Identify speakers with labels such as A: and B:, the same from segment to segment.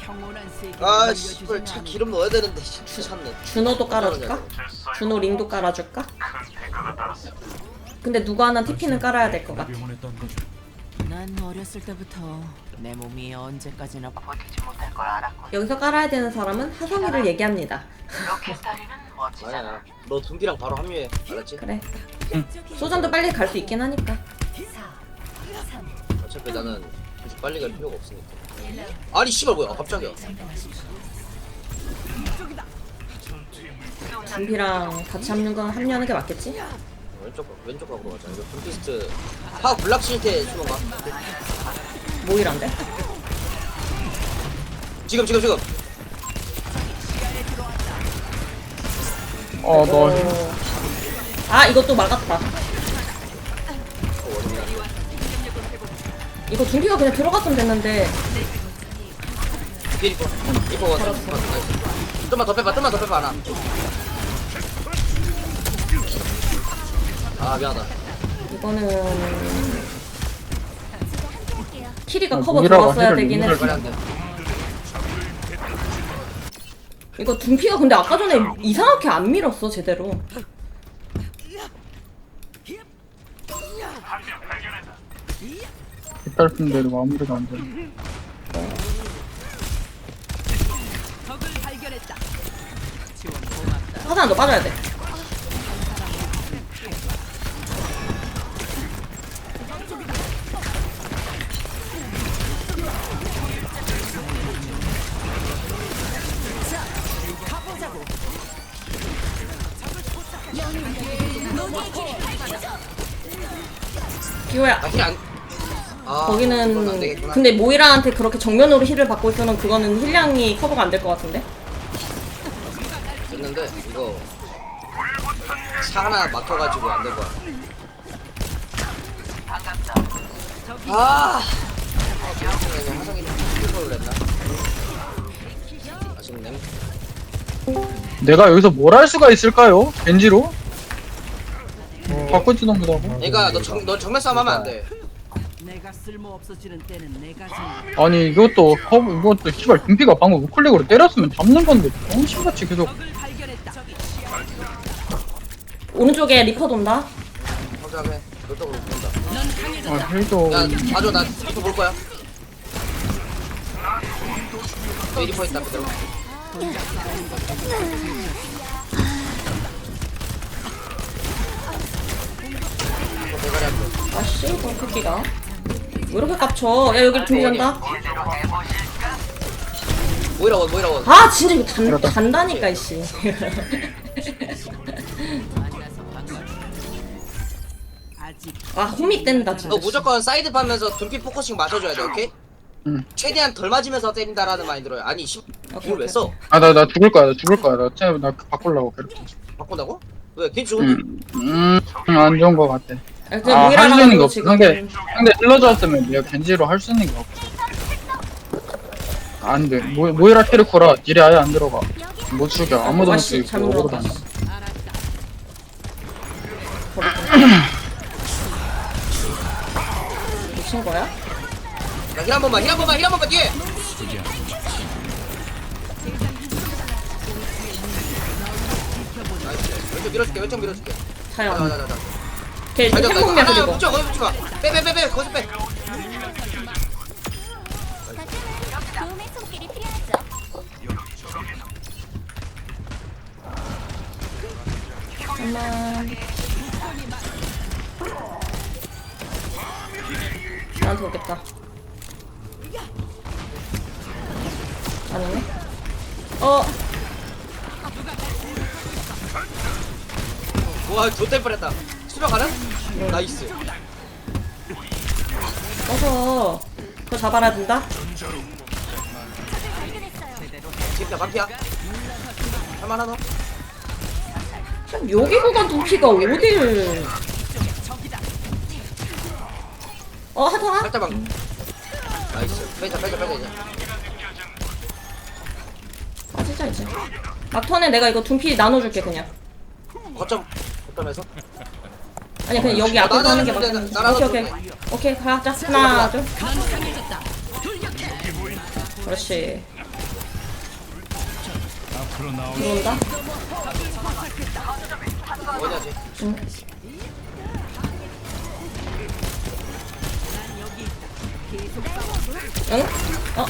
A: 아 씨발 차 기름 넣어야 되는데 찾네.
B: 준호도 깔아줄까? 준호 링도 깔아줄까? 근데 누구 하나 TP는 깔아야 될 것 같아.
C: 난 어렸을 때부터 내 몸이 언제까지나 버티지 못할 걸 알았고.
B: 여기서 깔아야 되는 사람은 하성이를 얘기합니다.
C: 로켓다리는 멋지잖아.
A: 아니야. 너 둠피랑 바로 합류해. 알았지?
B: 그래. 소전도 빨리 갈 수 있긴 하니까.
A: 어차피 나는 굳이 빨리 갈 필요가 없으니까. 아니 씨발 뭐야? 갑자기야.
B: 준비랑 같이 합류하는 게 맞겠지?
A: 왼쪽 각으로 가자. 이거 둠피스트 하 블락 실태 수만 가.
B: 모이란데?
A: 지금.
D: 너
B: 아 이것도 막았다. 이거 준비가 그냥 들어갔으면 됐는데.
A: 이거 좀만 더 빼봐 하나. 아 미안하다.
B: 이거는 키리가 커버
D: 무기라고
B: 들어갔어야
D: 해를
B: 되긴
D: 무기를
B: 했어.
A: 빨리 안 돼.
B: 이거 둠피가 근데 아까 전에 이상하게 안 밀었어 제대로.
D: 깃달픈대로 마무리가 안 되네.
B: 하산 너 빠져야 돼. 기호야.
A: 힐안. 아, 그건 안
B: 거기는
A: 되겠구나.
B: 근데 모이라한테 그렇게 정면으로 힐을 받고 있으면 그거는 힐량이 커버가 안 될 것 같은데?
A: 됐는데 이거 차 하나 막혀가지고 안 될 거야. 아. 화성이 킬을 했나? 아쉽네.
D: 내가 여기서 뭘 할 수가 있을까요? 겐지로? 바꾸지도 못하고.
A: 그러니까 너 정면 싸움 하면 안 돼.
C: 내가 쓸모 없어지는 때는 내가
D: 아니 이것도 씨발 둠피가 방금 우클릭으로 때렸으면 잡는 건데 정신같이 계속.
B: 오른쪽에 리퍼 돈다.
A: 확실하게 너쪽으로 본다.
D: 헬도
A: 야 봐줘 나 리퍼 볼 거야. 너 리퍼 있다 그대로. 대가리 한 번.
B: 아씨 이 새끼가 왜 이렇게 깝쳐. 야 여기 준비한다.
A: 모이라 원.
B: 아 진짜 이거 단다니까 이씨. 아 홈이 뗀다 진짜.
A: 너 무조건 사이드 파면서 둠피 포커싱 맞춰줘야 돼, 오케이?
D: 응.
A: 최대한 덜 맞으면서 때린다라는 마인드 들어요. 아니,
B: 오케이,
A: 이걸 왜 써?
D: 나 죽을 거야. 나 바꾸려고 그렇게.
A: 바꾼다고? 왜? 걔 죽은데?
D: 안 좋은 거 같아.
B: 할
D: 할 수 있는 게 없어. 상대 힐러 줬으면 내가 겐지로 할 수 있는 게 없어. 안 돼. 모이라 키르코라 딜이 아예 안 들어가. 못 죽여. 아무도 못
B: 아씨
D: 죽이고
B: 잘못
D: 오버로
B: 들어갔다.
D: 다녀.
B: 미친 거야?
A: 야, 힐 한 번만 뒤에! 나이스. 왼쪽 밀어줄게.
B: 자연.
A: 자.
B: 걔 행복면 그리고.
A: 붙여, 거기 붙지 마. 빼. 거기서 빼.
E: 도움의 손길이 필요하죠.
B: 잠깐만. 나한테 오겠다. 아니네.
A: 와, 좆될 뻔했다. 수명 가능? 나이스.
B: 어서 그거 잡아라 된다.
A: 진짜 반피야. 할만하 너?
B: 여기 구간 두피가 어딜? 하정아?
A: 살짝만. 나이스. 빼자 이제.
B: 빠지자 이제. 막턴에 내가 이거 둔피 나눠줄게 그냥.
A: 거점에서?
B: 아니 그냥 여기 앞에서 하는 게
A: 나는
B: 맞겠네.
A: 나라도
B: 오케이 가자. 하나 둘. 그렇지. 들어온다.
A: 뭐냐 쟤.
B: 응. 응? 어?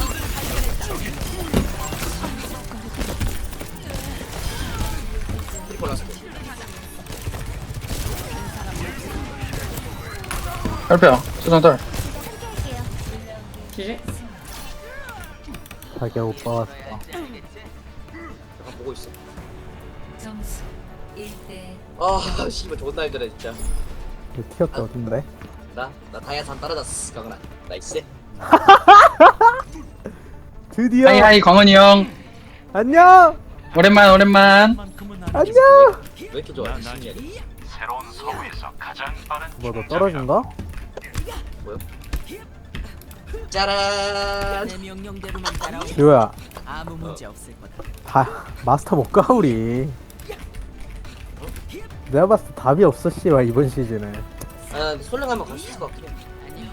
A: 트리플 라스트.
D: 딸피야 수상딸.
E: 함께할게요.
B: 지지?
F: 자기야 오빠 왔어.
A: 잠깐 보고 있어.
G: 점수 1대
A: 아 씨발 존나 힘들어 진짜.
F: 티어트 어딘데?
A: 나 다이아산 떨어졌어 강은아. 나이스.
F: 드디어.
D: 하이하이 광원이 형.
F: 안녕.
D: 오랜만.
F: 안녕.
A: 왜 이렇게 좋아? 신기하게.
F: 뭐 너 떨어진가?
A: 뭐요? 짜란.
C: 내 명령대로만 따라오.
F: 지호야
C: 아무 문제 없을 거다.
F: 다 마스터 못 가 우리. 내가 봤을 때 답이 없어 씨발 이번 시즌에.
A: 아 솔랭 한번 갈 수 있을 것 같긴 해.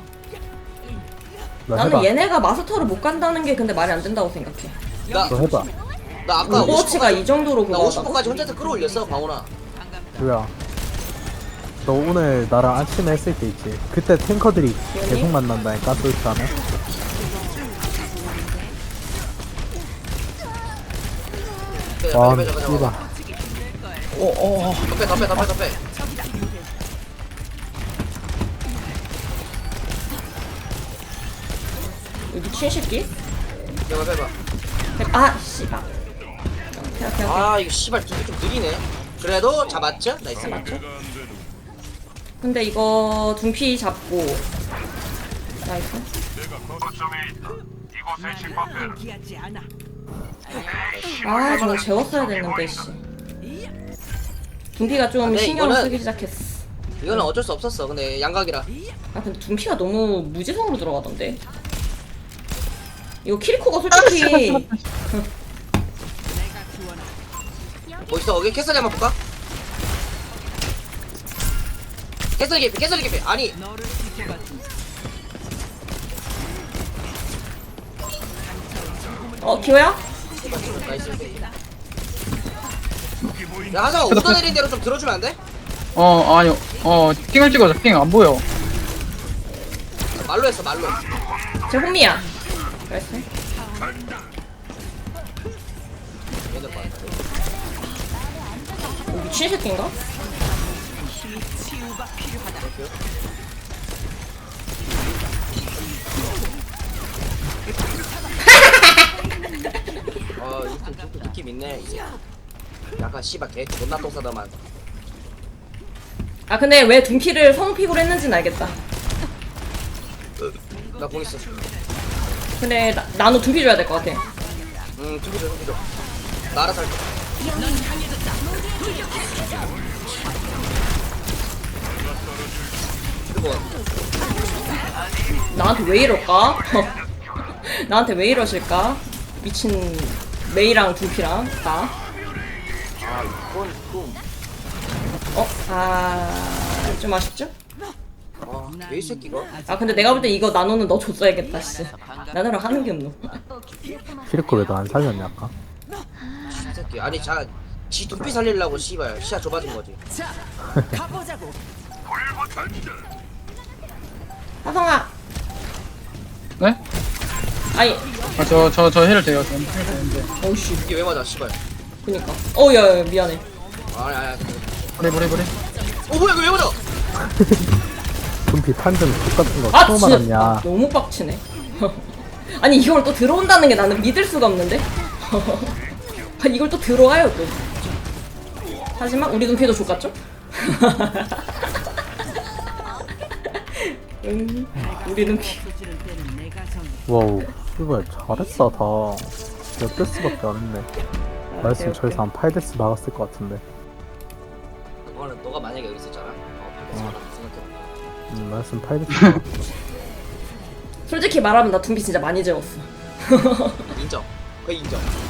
F: 너
B: 나는
F: 해봐.
B: 얘네가 마스터를 못 간다는 게 근데 말이 안 된다고 생각해.
A: 나
F: 너 해봐.
A: 아까
B: 오버워치가 이 정도로
A: 나
B: 그거다.
A: 50%까지 혼자서 끌어올렸어 광훈아.
F: 지호야. 너 오늘 나랑 아침에 했을 때 있지. 그때 탱커들이 계속 만난다니까 솔직하면. 와 씨발.
A: 더 빼.
B: 이 미친 새끼?
A: 빼봐.
B: 아 씨발. 오케이.
A: 아 이거 씨발 두개 좀 느리네. 그래도 잡았죠? 나이스.
B: 맞죠? 근데 이거 둔피 잡고 나이스. 아 저거 재웠어야 됐는데 씨. 둔피가 좀
A: 근데
B: 신경을
A: 이거는-
B: 쓰기 시작했어.
A: 이거는 어쩔 수 없었어. 근데 양각이라.
B: 아 근데 둔피가 너무 무지성으로 들어가던데. 이거 키리코가 솔직히
A: 뭐 있어? 여기 캐서리 한번 볼까? 캐서리 개피. 아니.
B: 기호야?
A: 나이스. 야 하정아 오더 내린 대로 좀 들어주면 안 돼?
D: 아니요. 핑을 찍어줘. 핑 안 보여.
A: 말로 했어 말로.
B: 제 홈이야. 나이스.
A: 얘들 봐.
B: 미친 새끼인가?
A: 이거 느낌 있네 이제. 약간 씨발 개 존나 똥 싸다만.
B: 아 근데 왜 둔피를 성픽으로 했는지는 알겠다.
A: 나 공 있어.
B: 근데 나노 둔피 줘야 될 것 같아.
A: 두개 줘. 나 알아서 할게. 그리고
B: 나한테 왜 이럴까? 나한테 왜 이러실까? 미친 메이랑 둔피랑 나.
A: 이건 좀.
B: 좀 아쉽죠?
A: 왜 이 새끼가?
B: 아 근데 내가 볼 때 이거 나노는 너 줬어야겠다 씨. 나노랑 하는 게 없노.
F: 키리코 왜 너 안 살렸냐 아까?
A: 이 새끼. 아니 지 눈빛 살리려고 씨발 시야 좁아진 거지.
C: 자, 가보자고.
B: 하성아.
D: 네?
B: 아니.
D: 저 힐을 돼요. 저는 힐 되는데.
B: 어이씨.
A: 이게 왜 맞아 씨발.
B: 그니까. 어야 미안해.
A: 아니.
D: 버리.
A: 뭐야 이거 왜 맞아?
F: 금피 판정 똑같은 거
B: 아
F: 처음
B: 진짜
F: 알았냐?
B: 너무 빡치네. 아니 이걸 또 들어온다는 게 나는 믿을 수가 없는데. 아니 이걸 또 들어와요 또. 하지만 우리 눈피도 족같죠? 우리 눈피.
F: 와우 이거 잘했다 다. 몇 데스밖에 안 했네. 나였으면 저기서 한 8데스 막았을 것 같은데.
A: 그거는 너가 만약에 여기 있었잖아. 생각해.
F: 나였으면 8데스.
B: 솔직히 말하면 나 둔피 진짜 많이 재웠어.
A: 인정. 거의 인정.